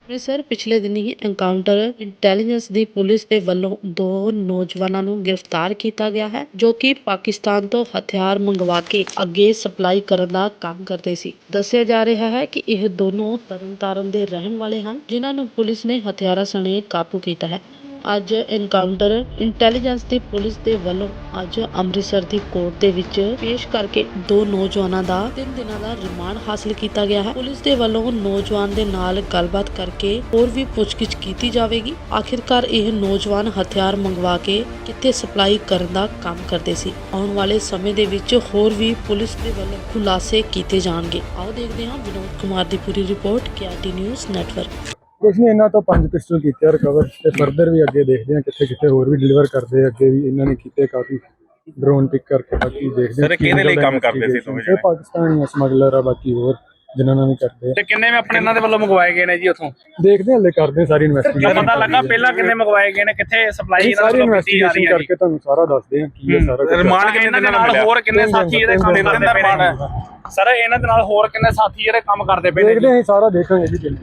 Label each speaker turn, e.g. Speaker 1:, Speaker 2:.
Speaker 1: ਅੰਮ੍ਰਿਤਸਰ ਪਿਛਲੇ ਦਿਨੀ ਹੀ ਐਨਕਾਊਂਟਰ ਇੰਟੈਲੀਜੈਂਸ ਦੀ ਪੁਲਿਸ ਦੇ ਵੱਲੋਂ ਦੋ ਨੌਜਵਾਨਾਂ ਨੂੰ ਗ੍ਰਿਫਤਾਰ ਕੀਤਾ ਗਿਆ ਹੈ, ਜੋ ਕਿ ਪਾਕਿਸਤਾਨ ਤੋਂ ਹਥਿਆਰ ਮੰਗਵਾ ਕੇ ਅੱਗੇ ਸਪਲਾਈ ਕਰਨ ਦਾ ਕੰਮ ਕਰਦੇ ਸੀ। ਦੱਸਿਆ ਜਾ ਰਿਹਾ ਹੈ ਕਿ ਇਹ ਦੋਨੋਂ ਤਰਨਤਾਰਨ ਦੇ ਰਹਿਣ ਵਾਲੇ ਹਨ, ਜਿਨ੍ਹਾਂ ਨੂੰ ਪੁਲਿਸ ਨੇ ਹਥਿਆਰਾਂ ਸਣੇ ਕਾਬੂ ਕੀਤਾ ਹੈ। ਅੱਜ ਐਨਕਾਊਂਟਰ ਇੰਟੈਲੀਜੈਂਸ ਦੀ ਪੁਲਿਸ ਦੇ ਵੱਲੋਂ ਅੱਜ ਅੰਮ੍ਰਿਤਸਰ ਦੀ ਕੋਰਟ ਦੇ ਵਿੱਚ ਪੇਸ਼ ਕਰਕੇ ਦੋ ਨੌਜਵਾਨਾਂ ਦਾ 3 ਦਿਨਾਂ ਦਾ ਰਿਮਾਂਡ ਹਾਸਲ ਕੀਤਾ ਗਿਆ ਹੈ। ਪੁਲਿਸ ਦੇ ਵੱਲੋਂ ਨੌਜਵਾਨ ਦੇ ਨਾਲ ਗੱਲਬਾਤ ਕਰਕੇ ਹੋਰ ਵੀ ਪੁੱਛਗਿੱਛ ਕੀਤੀ ਜਾਵੇਗੀ। ਆਖਿਰਕਾਰ ਇਹ ਨੌਜਵਾਨ ਹਥਿਆਰ ਮੰਗਵਾ ਕੇ ਕਿੱਥੇ ਸਪਲਾਈ ਕਰਨ ਦਾ ਕੰਮ ਕਰਦੇ ਸੀ। ਆਉਣ ਵਾਲੇ ਸਮੇਂ ਦੇ ਵਿੱਚ ਹੋਰ ਵੀ ਪੁਲਿਸ ਦੇ ਵੱਲੋਂ ਖੁਲਾਸੇ ਕੀਤੇ ਜਾਣਗੇ। ਆਓ ਦੇਖਦੇ ਹਾਂ ਵਿਨੋਦ ਕੁਮਾਰ ਦੀ ਪੂਰੀ ਰਿਪੋਰਟ KRT ਨਿਊਜ਼ ਨੈਟਵਰਕ।
Speaker 2: ਕੁਛ ਨਹੀਂ, ਇਹਨਾਂ ਤੋਂ 5 ਪਿਸਟਲ ਕੀਤੇ ਰਿਕਵਰ ਤੇ ਫਰਦਰ ਵੀ ਅੱਗੇ ਦੇਖਦੇ ਹਾਂ ਕਿੱਥੇ ਕਿੱਥੇ ਹੋਰ ਵੀ ਡਿਲੀਵਰ ਕਰਦੇ ਆ। ਅੱਗੇ ਵੀ ਇਹਨਾਂ ਨੇ ਕੀਤੇ ਕਾਫੀ ਡਰੋਨ ਪਿਕ ਕਰਕੇ, ਬਾਕੀ ਦੇਖਦੇ ਹਾਂ।
Speaker 3: ਸਰ ਕਿਹਦੇ ਲਈ ਕੰਮ ਕਰਦੇ ਸੀ ਦੋਵੇਂ
Speaker 2: ਇਹ ਪਾਕਿਸਤਾਨੀ ਸਮਗਲਰ ਆ, ਬਾਕੀ ਹੋਰ ਜਿਨ੍ਹਾਂ ਨਾਲ ਵੀ ਕਰਦੇ ਆ।
Speaker 3: ਤੇ ਕਿੰਨੇ ਮੈਂ ਆਪਣੇ ਇਹਨਾਂ ਦੇ ਵੱਲੋਂ ਮੰਗਵਾਏ ਗਏ ਨੇ ਜੀ ਉੱਥੋਂ?
Speaker 2: ਦੇਖਦੇ ਹਾਂ, ਹਲੇ ਕਰਦੇ ਹਾਂ ਸਾਰੀ ਇਨਵੈਸਟੀਗੇਸ਼ਨ।
Speaker 3: ਪਤਾ ਲੱਗਾ ਪਹਿਲਾਂ ਕਿੰਨੇ ਮੰਗਵਾਏ ਗਏ ਨੇ, ਕਿੱਥੇ ਸਪਲਾਈ ਇਹਨਾਂ
Speaker 2: ਸਾਰੀ
Speaker 3: ਵੱਲੋਂ ਕੀਤੀ ਜਾ ਰਹੀ
Speaker 2: ਇਨਵੈਸਟੀਗੇਸ਼ਨ
Speaker 3: ਹੈ
Speaker 2: ਕਰਕੇ ਤੁਹਾਨੂੰ ਸਾਰਾ ਦੱਸਦੇ ਹਾਂ ਕੀ ਹੈ ਸਾਰਾ ਕੁਝ।
Speaker 3: ਰਿਮਾਂਡ ਕਿੰਨੇ ਦਿਨਾਂ ਨਾਲ ਹੋਰ ਕਿੰਨੇ ਸਾਥੀ ਇਹਦੇ ਕੰਮ ਕਰਦੇ ਪਏ ਨੇ? ਸਰ ਇਹਨਾਂ ਦੇ ਨਾਲ ਹੋਰ ਕਿੰਨੇ ਸਾਥੀ ਜਿਹੜੇ ਕੰਮ ਕਰਦੇ ਪਏ ਨੇ?
Speaker 2: ਦੇਖਦੇ ਹਾਂ, ਸਾਰਾ ਦੇਖਾਂਗੇ ਜੀ।